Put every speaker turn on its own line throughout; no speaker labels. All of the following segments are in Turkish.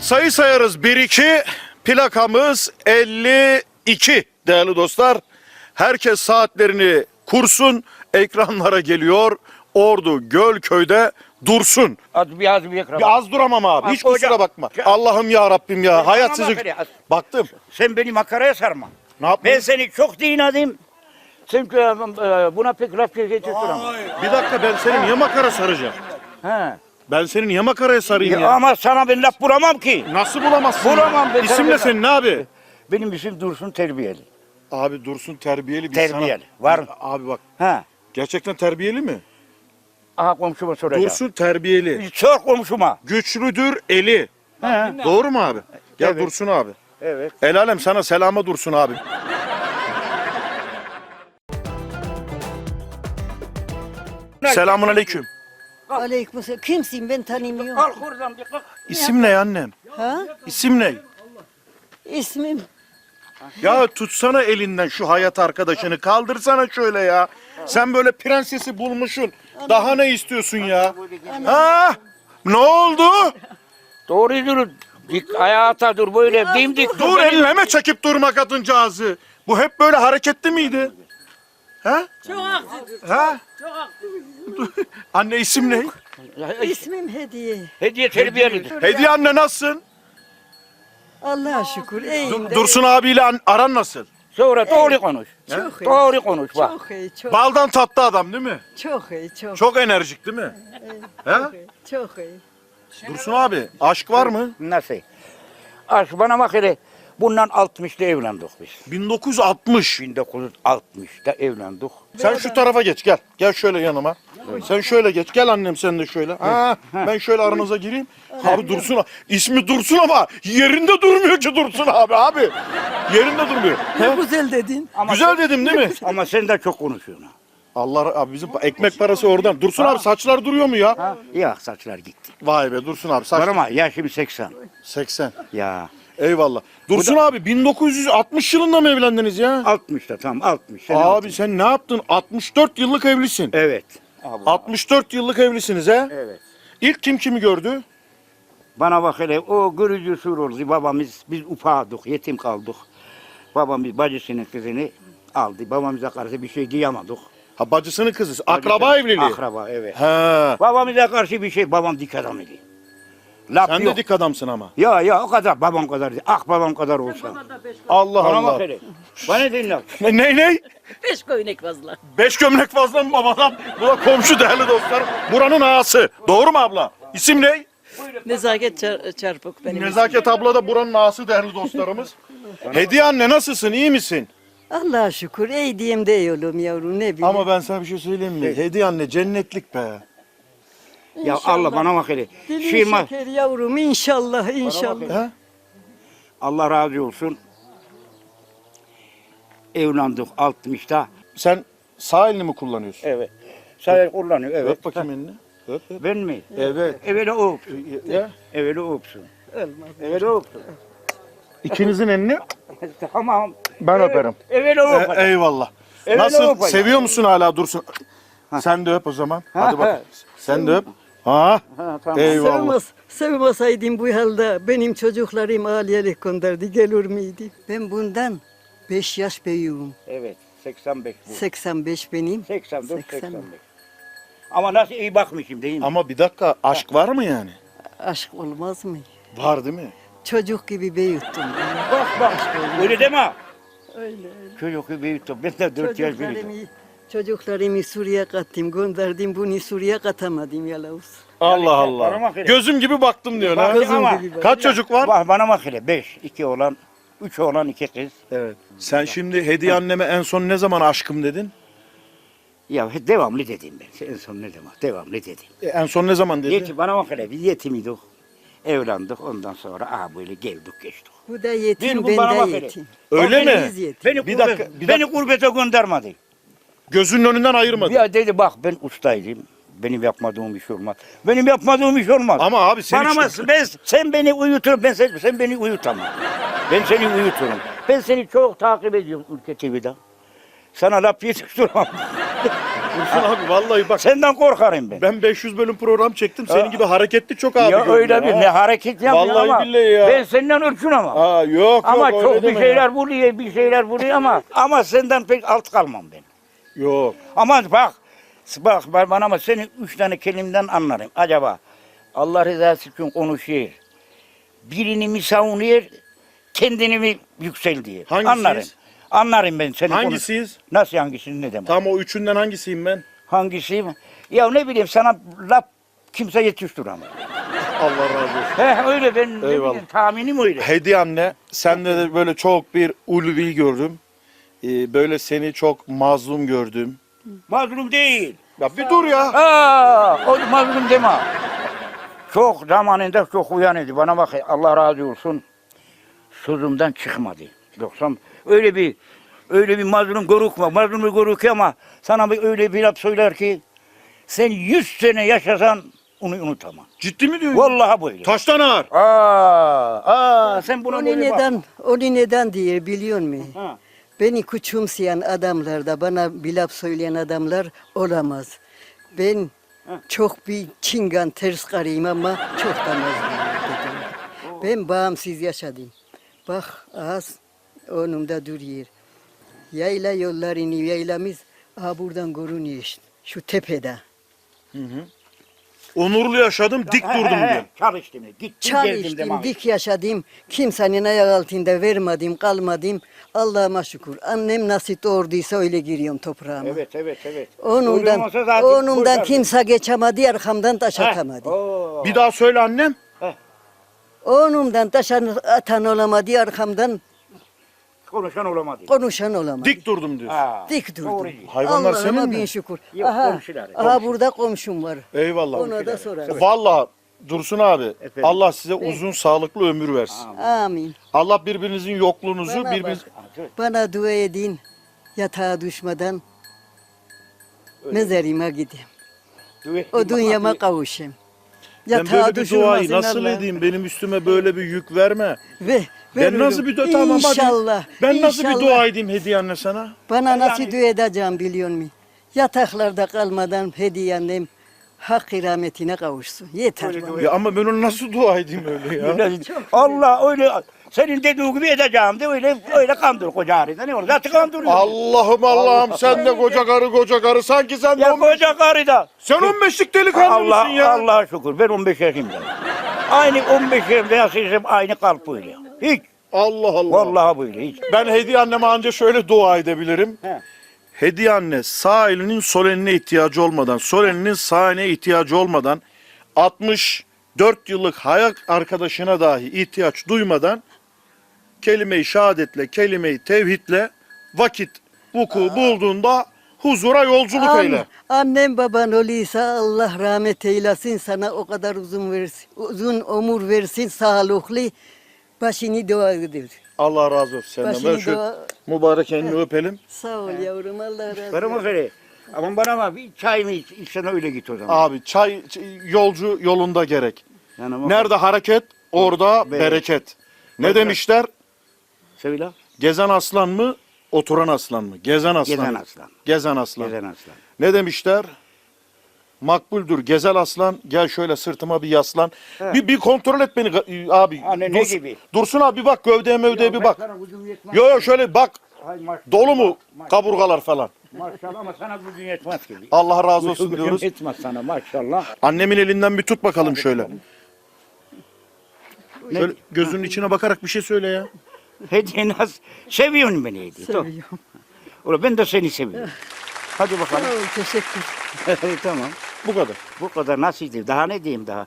Sayı sayarız 1-2, plakamız 52 değerli dostlar. Herkes saatlerini kursun, ekranlara geliyor. Ordu Gölköy'de dursun.
Az bir ekran.
Bir az duramam abi, hiç
Az
kusura
hocam.
bakma. Allah'ım ya Rabbim ya, hayat
Bana
sizi...
bak hele.
Baktım.
Sen beni makaraya sarma.
Ne yaptın?
Ben seni çok dinledim. Çünkü buna pek laf geçirtiyorum.
Bir dakika, ben seni niye makara saracağım?
He.
Ben seni niye makaraya sarayım ya?
Ama sana ben laf bulamam ki.
Nasıl bulamazsın?
Bulamam
ya?
ben,
İsim ne
tabii.
senin abi?
Benim isim Dursun Terbiyeli.
Abi Dursun terbiyeli bir
Terbiyeli.
sana...
Var.
Abi bak,
Ha.
gerçekten terbiyeli mi?
Aha komşuma soracağım.
Dursun terbiyeli.
Sor komşuma.
Güçlüdür eli.
He.
Doğru mu abi? Gel
Evet.
Dursun abi.
Evet.
El alem sana selama Dursun abi. Selamun aleyküm.
Aleykümselam. Kimsin ben tanımıyorum.
Kalk oradan bir kalk.
İsim ne annem?
Ha?
İsim ne?
İsmim
Ya tutsana elinden şu hayat arkadaşını, kaldırsana şöyle ya. Sen böyle prensesi bulmuşsun. Daha ne istiyorsun ya? Ha? Ne oldu?
Doğru dur. Dik hayata dur böyle dimdik
Dur, elleme çekip durma kadıncağızı. Bu hep böyle hareketli miydi? Ha?
çok haksızdır.
Ha? Anne isim ne?
İsmim Hediye.
Hediye terbiyelidir.
Hediye anne nasılsın?
Allah'a şükür. İyiyim.
Dursun abiyle aran nasıl?
Sonra doğru konuş.
Çok iyi.
Doğru konuş bak.
Çok iyi. Çok,
Baldan tatlı adam değil mi?
çok iyi. Çok,
Çok enerjik değil mi? He?
çok iyi.
Dursun abi, aşk var mı?
Nasıl? Aş bana bak hele. Bundan 60'ta evlendik biz.
1960.
1960'ta evlendik.
Sen şu tarafa geç, gel. Gel şöyle yanıma. Sen şöyle geç. Gel annem, sen de şöyle. Ha, ben şöyle aranıza gireyim. Abi Dursun abi. İsmi Dursun ama yerinde durmuyor ki Dursun abi. Yerinde durmuyor.
Ne güzel dedin.
Güzel dedim değil mi?
Ama sen de çok konuşuyorsun.
Allah abi, bizim ekmek parası oradan. Dursun abi, saçlar duruyor mu ya?
Ha? Ya saçlar gitti.
Vay be Dursun abi, saç
Var ama yaşım 80.
80.
Ya
Eyvallah. Dursun abi, 1960 yılında mı evlendiniz ya?
60'ta tam 60. Sen
Abi
60.
sen ne yaptın? 64 yıllık evlisin.
Evet.
64 yıllık evlisiniz he?
Evet.
İlk kim kimi gördü?
Bana bak hele o görücü usul oldu. Babamız biz ufaktık, yetim kaldık. Babamız bacısının kızını aldı. Babamıza karşı bir şey diyemedik.
Ha, bacısının kızı. Akraba evliliği.
Akraba evet.
He.
Babamıza karşı bir şey, babam dik adam idi. Laf
Sen
yok.
de dik adamsın ama.
Ya o kadar babam kadar değil. Ah babam kadar olsa.
Allah
Bana
Allah.
bak hele. Bana dinle.
Ne?
5 koyunek fazla.
5 gömlek fazla mı babadan? Bu da komşu değerli dostlar. Buranın ağası. Doğru mu abla? İsim ne?
Nezaket çarpık benim.
Nezaket abla da buranın ağası değerli dostlarımız. Hediye anne, nasılsın? İyi misin?
Allah'a şükür. İyi diyeyim de oğlum yavrum, ne bileyim.
Ama ben sana bir şey söyleyeyim mi? Hediye anne cennetlik be.
Ya Allah bana bak hele.
Dilin
Şirma,
şeker yavrum, inşallah inşallah.
He?
Allah razı olsun. Evlendik 60'ta.
Sen sağ elini mi kullanıyorsun?
Evet. Sayar kullanıyor evet.
Öp bakayım elini. Öp.
Ben mi?
Evet.
Evveli o öpsün.
Ya.
Evveli o öpsün.
Olmaz.
Evveli o öpsün.
İkinizin elini
Tamam.
ben öperim.
Evveli o öpsün.
Eyvallah.
Evet,
Nasıl?
öpeyim.
Seviyor musun hala Dursun? Sen de öp o zaman. Hadi bak. Sen de öp. Ha?
Ha, tamam.
Eyvallah.
Sevmeseydim bu halde benim çocuklarım aliyelik gönderdi, gelir miydi? Ben bundan 5 yaş büyüğüm.
Evet. 85 bu.
85 benim.
84,
80.
85. Ama nasıl iyi bakmışım değil mi?
Ama bir dakika, aşk var mı yani?
Aşk olmaz mı?
Var değil mi?
Çocuk gibi büyüttüm.
Bak. Öyle deme.
Öyle.
Çocuk gibi büyüttüm. Ben de 4 yaş büyüdüm.
Çocuklarımı Suriye kattım, gönderdim, bunu Suriye katamadım yalavuz.
Allah
bana
Allah.
bak hele.
Gözüm gibi baktım diyor ha.
Bak ama-
gibi bak.
Kaç çocuk var?
Bak bana bak hele. 5. 2 oğlan. 3 oğlan 2 kız.
Evet. Sen şimdi Hediye anneme en son ne zaman aşkım dedin?
Ya devamlı dedim ben. En son ne demek? Devamlı dedim.
En son ne zaman dedi?
Yetim, bana bak hele. Biz yetimiydik. Evlendik. Ondan sonra böyle geldik geçtik.
Bu da yetim,
Bu
ben
bana bak
de
hele.
yetim.
Öyle mi?
Biz yetim.
Beni,
Bir
gurbet,
dakika, bir
beni gurbete göndermedi.
Gözünün önünden ayırmadı.
Ya dedi bak ben ustaydım. Benim yapmadığım iş olmaz. Benim yapmadığım iş olmaz.
Ama abi sen
Bana
işte-
sen beni uyutur, sen beni uyutamam. Ben seni uyuturum. Ben seni çok takip ediyorum Ülke TV'de. Sana laf yetiştirmem.
Dursun abi vallahi bak.
Senden korkarım ben.
Ben 500 bölüm program çektim. Senin gibi hareketli çok abi
Ya
gördüm
öyle bir
ha.
ne hareket yapıyor
Vallahi
ama
billahi ya.
ben senden ürkün ama.
Aa, yok
Ama
yok
çok
öyle
bir
deme
şeyler
ya.
buluyor, bir şeyler buluyor ama senden pek alt kalmam ben.
Yok.
Ama bak bana ama senin 3 tane kelimden anlarım. Acaba Allah rızası için konuşuyor. Birini mi savunuyor, kendini mi yükseltiyor?
Hangisiyiz?
Anlarım. Anlarım ben seni.
Hangisiyiz?
Nasıl hangisini ne demek?
Tam o üçünden hangisiyim ben?
Hangisiyim? Ya ne bileyim sana laf kimse yetiştiremez.
Allah razı olsun.
Öyle ben ne
Eyvallah.
bileyim tahminim öyle.
Hediye anne, sende de böyle çok bir ulvi gördüm. Böyle seni çok mazlum gördüm.
Mazlum değil.
Ya bir dur ya.
O mazlum deme. Çok zamanında çok uyanıydı. Bana bak Allah razı olsun. Sözümden çıkmadı. Yoksa öyle bir mazlum görükme. Mazlum görüküyor ama sana öyle bir laf söyler ki sen 100 sene yaşasan onu unutamam.
Ciddi mi diyorsun?
Vallahi böyle.
Taştan ağır.
Sen buna
Onu
böyle bak.
neden diye biliyor musun?
Ha.
Beni küçümseyen adamlar da bana bir laf söyleyen adamlar olamaz. Ben çok bir çingan ters karıyım ama çok da mazlum. Ben bağımsız yaşadım. Bak az önümde duruyor. Yayla yollarını yaylamız buradan görünüyor işte. Şu tepede.
Onurlu yaşadım, dik durdum diyor.
Çalıştım. Gittim geldim
Çalıştım,
demem.
dik yaşadım. Kimsenin ayak altında vermedim, kalmadım. Allah'ıma şükür. Annem nasıl doğurduysa öyle giriyorum toprağıma.
Evet. Öyle
Onundan,
olmasa zaten
onundan
boşar.
kimse geçemedi, arkamdan taş atamadı.
Bir daha söyle annem.
Onundan taş atan olamadı, arkamdan
Konuşan olamadı.
konuşan olamadı.
Dik durdum diyor.
Dik durdum.
Doğru.
Hayvanlar
Allah'ıma
senin mi?
bin şükür.
Yok, komşular.
Burada komşum var.
Eyvallah.
Ona da sorarım.
Vallahi Dursun abi,
Efendim?
Allah size uzun sağlıklı ömür versin.
Amin.
Allah birbirinizin yokluğunuzu
Bana
birbiriniz...
Bana dua edin. Yatağa düşmeden mezarıma gideyim. O dünyama kavuşayım.
Ben böyle bir duayı nasıl edeyim? Benim üstüme böyle bir yük verme. Ben nasıl bir dua tamam hadi.
İnşallah.
Ben nasıl bir
inşallah.
dua edeyim hediye anne sana?
Bana nasıl dua edeceğim biliyor musun? Yataklarda kalmadan hediye annem hak rahmetine kavuşsun. Yeter bana.
Ya ama ben onu nasıl dua edeyim öyle ya?
Allah öyle senin dediğin gibi edeceğim de öyle kandır koca harita. Ne olur? Zaten kandırıyor.
Allah'ım sen de koca karı sanki sen de
Ya koca karı da.
sen 15'lik delikanlı mısın ya?
Allah'a şükür ben 15 yaşındayım. Aynı 15 yaşımda yaşaysam aynı kalp böyle. Hiç.
Allah.
Vallahi böyle hiç.
Ben hediye anneme anca şöyle dua edebilirim.
He.
Hediye anne sağ elinin sol eline ihtiyacı olmadan, sol elinin sağ eline ihtiyacı olmadan 64 yıllık hayat arkadaşına dahi ihtiyaç duymadan kelime-i şehadetle, kelime-i tevhidle vakit vuku bulduğunda huzura yolculuk eyle.
Annem baban oluysa Allah rahmet eylesin, sana o kadar uzun ömür versin, sağlıklı başını dua edir.
Allah razı olsun senden.
Başını
Ben şu
dua-
mübarek elini öpelim.
Sağ ol yavrum, Allah razı olsun.
Karım öyle. Ama bana bak bir çay mı içsen öyle git o zaman.
Abi çay yolcu yolunda gerek.
Yani ama-
Nerede hareket orada bereket. Ne demişler?
Söyle.
Gezen aslan mı, oturan aslan mı? Gezen aslan.
Gezen
mı?
aslan.
Gezen aslan.
Gezen aslan.
Ne demişler? Makbuldür gezel aslan, gel şöyle sırtıma bir yaslan. Bir kontrol et beni abi.
Ne
Dursun,
gibi?
Dursun abi bir bak gövdeye mövdeye bir bak.
Sana gücüm yetmez.
Yo şöyle bak.
Ay maşallah.
Dolu mu kaburgalar falan?
Maşallah ama sana gücün yetmez ki.
Allah razı olsun
Gücüm
diyoruz.
yetmez sana maşallah.
Annemin elinden bir tut bakalım şöyle. Şöyle gözünün içine bakarak bir şey söyle ya.
Hediye nasıl? Seviyorsun beni hediye.
Seviyorum.
Ulan ben de seni seviyorum. Hadi
Sağ
bakalım.
ol, teşekkür.
Tamam.
Bu kadar.
Bu kadar nasıldı? Daha ne diyeyim daha?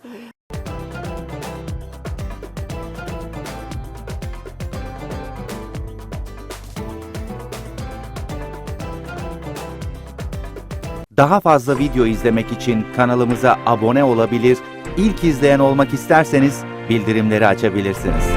Daha fazla video izlemek için kanalımıza abone olabilir, ilk izleyen olmak isterseniz bildirimleri açabilirsiniz.